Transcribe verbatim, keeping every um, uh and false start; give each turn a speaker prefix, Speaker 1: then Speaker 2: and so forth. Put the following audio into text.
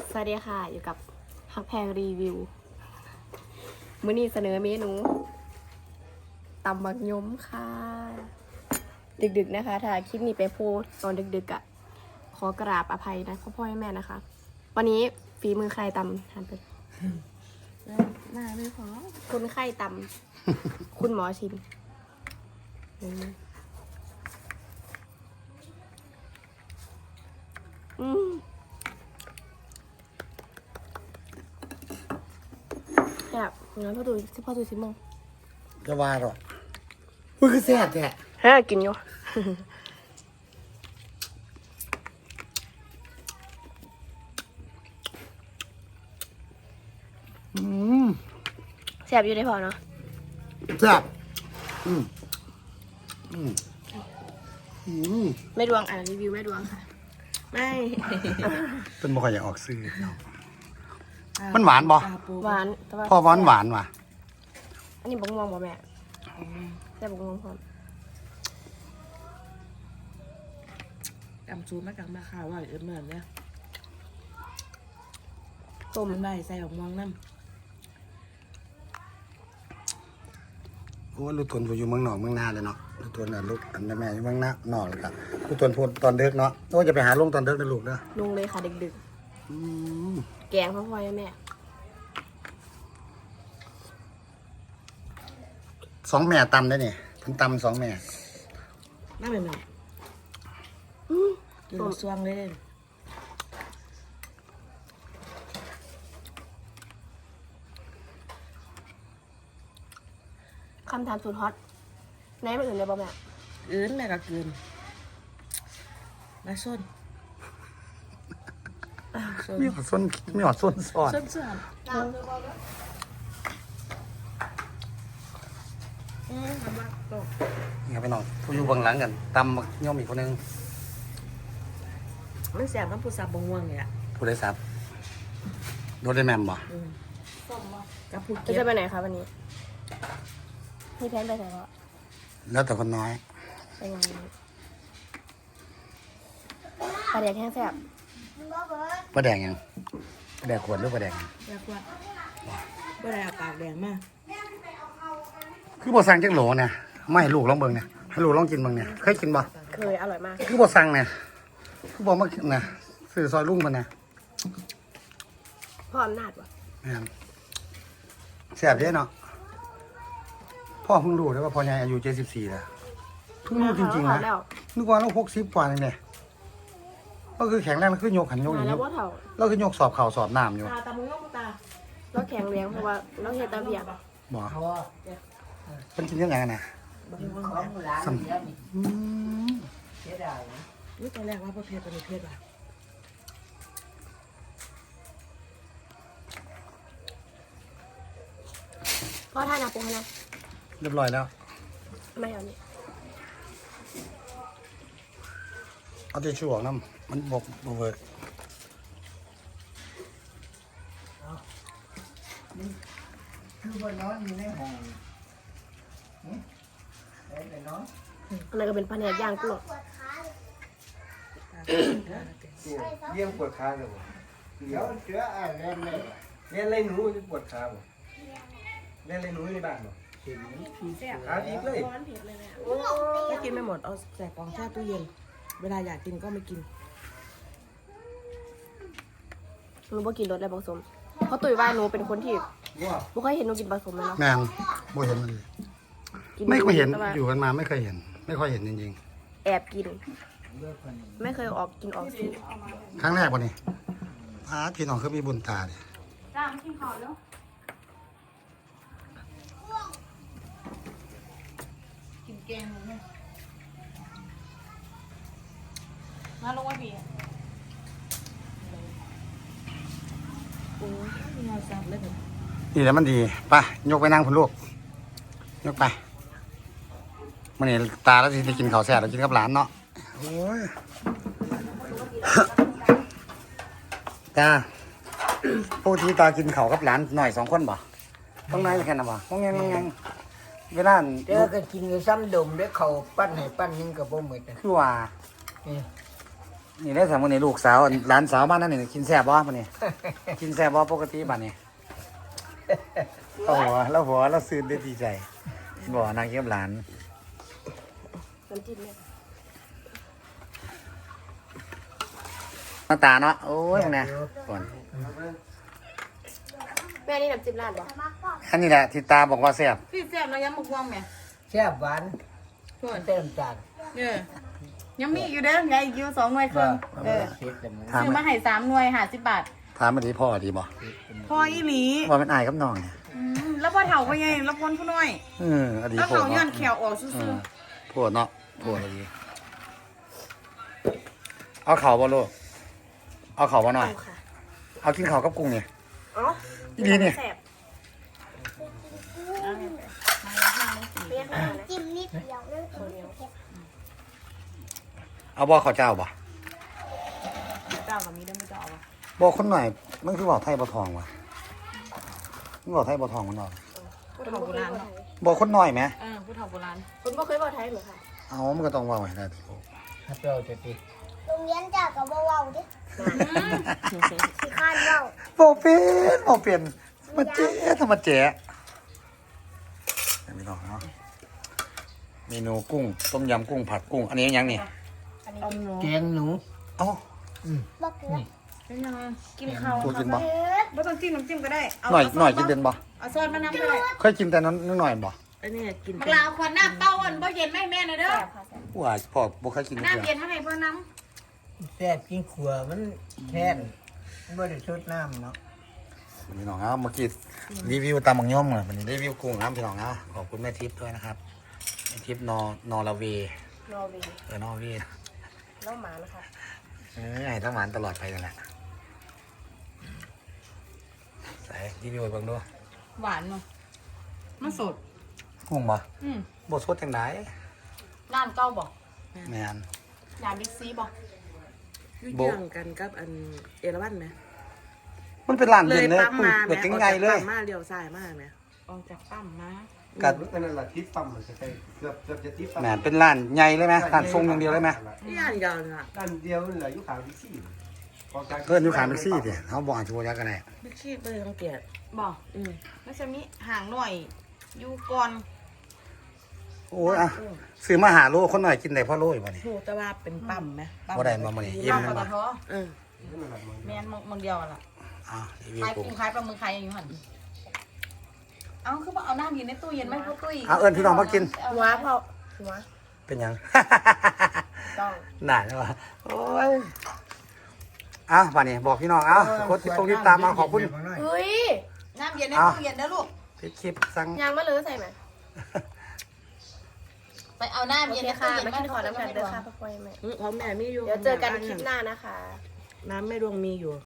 Speaker 1: สวัสดีค่ะอยู่กับฮักแพงรีวิวมื้อนี้เสนอเมนูตำบักยมค่ะดึกๆนะคะถ้าคลิปนี้ไปโพสตอนดึกๆอ่ะขอกราบอภัยนะพ่อพ่อแม่นะคะวันนี้ฝีมือใครตำทานไปน่าไม่พอคุณไข้ตำคุณหมอชิมอืมแบบงั้นพ่อดูสิพ่อดูสิมอง
Speaker 2: จะว่าหรอมันคือแซ่บแท้
Speaker 1: เฮ้ยกินอยู่
Speaker 2: อืม
Speaker 1: แซ่บอยู่ได้พอเนาะ
Speaker 2: แซ่บอืมอืมอืม
Speaker 1: ไม่ดวงอ่านรีวิวไม่ดวงค่ะ ไม่
Speaker 2: เป็นบ่ค่อยอยากออกซื้อเนาะมันหวานบ่
Speaker 1: หวานแต่ว่า
Speaker 2: พ่อหวานหวานว่ะ
Speaker 1: อันนี้บงม่วงบ่แม่แซ่บบงม่วงพร้อม
Speaker 3: กำซูมากำมาข้าวว่าเอิญเหมือนเนี่ย
Speaker 1: ต้ม
Speaker 3: มันได้ใส่ของมองน้
Speaker 2: โอ้ลูกตนผู้อยู่เมืองนอกเมืองนาเลยเนาะลูกตนน่ะลูกอันแม่อยู่เมืองนานอกเลยครับลูกตนพูดตอนเด็กเนาะโอ้จะไปหาลุงตอนเด็กนะลูกเด้อ
Speaker 1: ลุงเลยค่ะดึก
Speaker 2: อืม
Speaker 1: ๆแกงพ่อพ่อแม่
Speaker 2: สองแม่ตำได้นี่เพิ่นตำสองแม่
Speaker 3: ำน่าเป็นแบบ
Speaker 1: อืม
Speaker 3: กินกับซวงเลย
Speaker 1: คำถามสุดฮอตไหนมาอื่นเลยบ่แม่
Speaker 3: เอิญแม่ก็เกินมาส้นส้น
Speaker 2: มีหอดส้นมีหอดส้นซอด
Speaker 3: ส้นเสื่อมอืมทำมาตก
Speaker 2: นี่ครับพี่น้องผู้อยู่เบื้องหลังกันตำบักย่อมอีกคนนึง
Speaker 3: มันแสบน้ำปูสับบงวงเนี่ย
Speaker 2: ผู้ได้ซับโดนได้แมมบ่
Speaker 3: อืมกับผู
Speaker 1: จะ
Speaker 3: เก็บ
Speaker 1: จะไปไหนคะวันนี้มีแพลนไปไหนวะ
Speaker 2: แล้วแต่คนน้อย
Speaker 1: ไปงานปลาแดกแห้งแซ่บ
Speaker 2: ปลาแดงยังปลาแดงขวดหรือปลาแดง
Speaker 3: อยากว่าไม่ได้เอาปากแดงมาก
Speaker 2: คือบ่สั่งจังโหลเนี่ยไม่ให้ลูกลองเบิ่งเนี่ยให้ลูกลองกินเบิ่งเนี่ยเคยกินบ่
Speaker 1: เคยอร่อยมาก
Speaker 2: คือบ่สั่งเนี่ยคือบ่มากินนะซื้อซอยลุงเพิ่นน่ะ
Speaker 1: พ่ออำนาจวะ
Speaker 2: แม่นแซ่บเด้เนาะพ่อเพิ่งรู้ได้ว่าพ่อใหญ่อายุเจ็ดสิบสี่แล้วเพิ่งรู้จริงๆนะ
Speaker 1: แล้ว
Speaker 2: นึกว่าเราหกสิบกว่านี่แหละก็คือแข็งแรงแล้วคือยกหันยก
Speaker 1: มา
Speaker 2: นี่
Speaker 1: แล้วว่าเถ่า
Speaker 2: เราคือยกสอบเข่าสอบน้ำอยู่
Speaker 3: ตาตามึงงตา
Speaker 1: เราแข็งแรงเพราะว่าเราเฮ็ดตาเบียก
Speaker 2: บ่เพิ่นกินยังไงกันน่ะ
Speaker 3: บางวง
Speaker 2: ซ้ำอืม
Speaker 3: นี่ตอนแรกว่าประเภทเป็นประเภทว่ะ
Speaker 1: พ่อท่านาปุ๊กนะ
Speaker 2: เรียบร้อยแล้ว
Speaker 1: ไม่เอานี่
Speaker 2: เอาทิชชู่ออกน้ำมันบกบเวิร์ก
Speaker 4: คือว่านอนอยู่ในห้องเอ๊ะไปนอน
Speaker 1: อันนั้นก็เป็นปลาแดกย่างกุ้ง
Speaker 4: เยี่ยมปวดขาเลยบ่เดี๋ยวเสืออ่ะเล่นเลยเล่นอะไรหนูจะปวดขาบ่เล่นอะไรหนูในบ้านบ่ขาดีเลย
Speaker 3: ถ้ากินไม่หมดเอาใส่กล่องแช่ตู้เย็น เวลาอยากกินก็ไม่กิน
Speaker 1: หนูบ่กินรสอะไรผสมเพราะตุ๋ยว่าหนูเป็นคนที่
Speaker 4: ว่า
Speaker 1: บ่เคยเห็นหนูกินผสมเลยเนาะ
Speaker 2: แม่นบ่เห็นมันเลย
Speaker 1: กิน
Speaker 2: ไม่เคยเห็น
Speaker 1: แต่ว่า
Speaker 2: อยู่กันมาไม่เคยเห็น ไม่ค่อยเห็นจริง
Speaker 1: แอบกิน ไม่เคยออกกินออกซื้อ
Speaker 2: ๆครั้งแรกวันนี้พาพี่น้องคือมีบุญตาดิ
Speaker 1: จ้ามากินข้าวแล้วกินแกงเลยมาลงมาบี
Speaker 3: โอ้ยงาซับเลยแบบ
Speaker 2: นี่แหล้วมันดีไปยกไปนั่งพุ่นลูกยกไปมันนี่ตาแล้วสิได้กินข้าวแซ่บแล้วกินกับหลานเนาะโอ้ย ตาปกติตากินข้าวกับหลานหน่อยสองคนบ่ต้องนายแค่นั้นบ่ต้องยังยังเวลา
Speaker 4: เดี๋ยวก็กินอยู่ซ้ำดมด้วยเขาปั้นให้ปั้นนึงกับบ่หมดนะ
Speaker 2: คือว่า
Speaker 4: นี่
Speaker 2: นี่ได้สามวันนี้ลูกสาวหลานสาวบ้านนั่นนี่กินแซ่บบ่ปะนี่ กินแซ่บบ่ปกติบ้านนี้เราหัวเราหัวเราซื้อได้ดีใจบ่นางเยี่ยมหลาน
Speaker 1: น้ำจิ้มเนี่ย
Speaker 2: มาตาเนาะโอ้ยเนี่ยก่อน
Speaker 1: แม่นี่น้ำจิ้มร้านบ่
Speaker 2: อันนี้แหละที่ตาบอกว่าแซ่บ
Speaker 3: พี่แซ่บแล้วยังมะม่วงไหม
Speaker 5: แซ่บหวานเต็มจาน
Speaker 3: เออยังมีอยู่เด้อไงอีกอยู่สองหน่วยครึ่งเออ
Speaker 5: เผ็ดเลยมึง
Speaker 2: ถาม
Speaker 3: ซื้อมาให้สามหน่วยห้าสิบบาท
Speaker 2: ถามมาดีพ่อดีบ่
Speaker 3: พออีหลี
Speaker 2: ว่าเป็นอายกับน้องเนี่ย
Speaker 3: อืมแล้วพอเฒ่าไปไงแล้วพ้นผู้น้อย
Speaker 2: เอออดี
Speaker 3: แล้ว
Speaker 2: พ่อ
Speaker 3: เฒ่าย้อน
Speaker 2: เนาะ
Speaker 3: แขวออกซื่
Speaker 2: เอ
Speaker 3: อ
Speaker 2: อพ่อเนาะพ่อดีเอาเข่าบ่ลูกเอาเข่าบ่หน่อย
Speaker 1: เอาค่ะ
Speaker 2: เอากินเข่าวกับกุ้งเนี่ย
Speaker 1: อ๋อ
Speaker 2: อีดีเนี่ย
Speaker 1: แซ่บเปรี้ยวมากนะ
Speaker 6: จิ้มนิดเดียวนั่นเอง
Speaker 2: เอาบ่ข้าวเจ้าบ่
Speaker 3: ๆเจ้ากับมีได้ไม่เจ้าเอาวะ
Speaker 2: บ่คนหน่อยมันคือบอกไทยบ่ทองวะมันบอกไทยบ่ทองมันเนาะ
Speaker 3: ผู้เฒ่าโบราณเนาะ
Speaker 2: บ่คนหน่อยไหม
Speaker 3: เออผู้เฒ่าโบราณ
Speaker 1: คุณบ่เคยบอกไทยเหรอคะ
Speaker 2: เอามันก็ต้องเว่าให้ได้ที่พ่อ
Speaker 5: ถ้าเปรี้ยวจะติด
Speaker 6: โรงเรียนจากกับเบาๆดิขี้ข้านเบา
Speaker 2: บ่เป็นบ่เป็นมาเจ๊ทำมาเจ๊ไม่ต้องเนาะเมนูกุ้งต้มยำกุ้งผัดกุ้งอันนี้ยังนี่
Speaker 3: อมหนู
Speaker 5: แกงหนู
Speaker 2: เอ้า
Speaker 6: บักเกลือ
Speaker 3: เป็นยังไงกินข้าว
Speaker 2: กูกินบ่
Speaker 3: ไม่ต้องจิ้มน้ำจิ้มก็ได้เอา
Speaker 2: หน่อย
Speaker 3: เาซ
Speaker 2: หน่อย
Speaker 3: ส
Speaker 2: กินเป็นบ่
Speaker 3: เอาซอสมะนาวก็ได้
Speaker 2: เคยกินแต่นั้นนิดหน่อยบ่
Speaker 3: อันนี้กินมะลาวขวดน้ำเต้าอันบ่เย็นไม่แม่นะเด้อ
Speaker 2: ว่าพ่อบ่เคยกินเดียว
Speaker 3: น้ำเย็นมาให้พ่อน้
Speaker 5: แซ่บกินขัวมันแทนมันบ่ได้ชุดน้ำเนาะ
Speaker 2: พี่น้องครับเมื่อกี้รีวิวตามบังย่อมเลยวันนี้รีวิวกุ้งครับพี่น้องนะขอบคุณแม่ทิพย์ด้วยนะครับแม่ทิพย์นอนอร์เวย์
Speaker 1: นอร์เวย์
Speaker 2: เออนอร์เวย์
Speaker 1: น้องหมานะคะ
Speaker 2: เออให้ต้องหวานตลอดไปนั่นแหละใส่รีวิวให้เบิ่งดู
Speaker 3: ำหวานเนาะมันสด
Speaker 2: กุ้งบ่
Speaker 3: อืม
Speaker 2: บ่สดจังได
Speaker 3: ร้านเก้าบอก
Speaker 2: แม่น
Speaker 1: ยามบิ๊กซีบอก
Speaker 3: ยุ่
Speaker 2: โบ
Speaker 3: ยงกันกับอันเอราวันไหม
Speaker 2: มันเป็นร้าน
Speaker 3: เล
Speaker 2: เด่
Speaker 3: ย
Speaker 2: นเลย
Speaker 3: ปั๊มมา
Speaker 2: เด็ก
Speaker 3: ไหม
Speaker 2: ไงเลย
Speaker 3: ปั๊มมาเลี้ยวซ้ายมาไหมออกจากปั๊มมา
Speaker 2: กัด
Speaker 4: นั่นแหละทิศปั๊มมันจะใช่เกือบเกือบจะทิศปั๊ม
Speaker 2: แม่นเป็นร้านใหญ่เลยไหมร้านทรงอย่างเดียวเลยไหม
Speaker 3: นี่อันเดียวน่ะ
Speaker 4: ด้านเดียวนี่แหละยุคขาวดิซี่
Speaker 2: เพื่อนอยู่ขายแท็กซี่ดิเขาบอกอาชีวะยักษ์กันแน่
Speaker 3: บิ๊กชีพเลยต้องเกียรติบอกอืมแล้วจะมีห่างหน่อยอยู่ก่อน
Speaker 2: โอ้ยอ่ะซื้อมาหาโลคนหน่อยกินได้พ่อโลอยู่บ่นี่
Speaker 3: โหแต่ว่าเป็นปั๊มไหมปั๊
Speaker 2: บ่ได้มามื้อนี้อิ่ม
Speaker 3: ปั๊ม
Speaker 2: แม่นบ่
Speaker 3: ปตทเออแมนมองมองเดียวอะล่ะ
Speaker 2: อ้าวรีวิว
Speaker 3: ขาย
Speaker 2: กุ้ง
Speaker 3: กุ้งขายปลาหมึกขายอย่างนี้หันเอาคือว่าเอาน้ำอยู่ในตู้เย็นไหมพวกตุ้ย
Speaker 2: เอาเอิ้นพี่น้องมากิน
Speaker 1: หัวเผาหัว
Speaker 2: เป็นหยัง
Speaker 1: ต้อง
Speaker 2: หนาใช่ปะโอ้ยอ้าวป่านนี้บอกพี่น้องเอ้าโค้ดที่ตรงที่ตามมาขอบคุณ
Speaker 1: เฮ้ย
Speaker 3: น้ำเย็นใน
Speaker 2: เอา
Speaker 3: ตู้เย็นนะลูก
Speaker 2: ที่คลิปสั่ง
Speaker 1: ยางมะเลือใส่ไหม
Speaker 3: ไปเอาน้ำ
Speaker 1: โอ
Speaker 3: เย็น
Speaker 1: เค
Speaker 3: ใน
Speaker 1: ค่ะ
Speaker 3: ตู้เย็น
Speaker 1: มากินขอน้ำกันเด้อค่ะพ่อปอยแม่
Speaker 3: ของแม่มีอยู่
Speaker 1: เดี๋ยวเจอกันคลิปหน้านะคะ
Speaker 3: น้ำแม่ดวงมีอยู่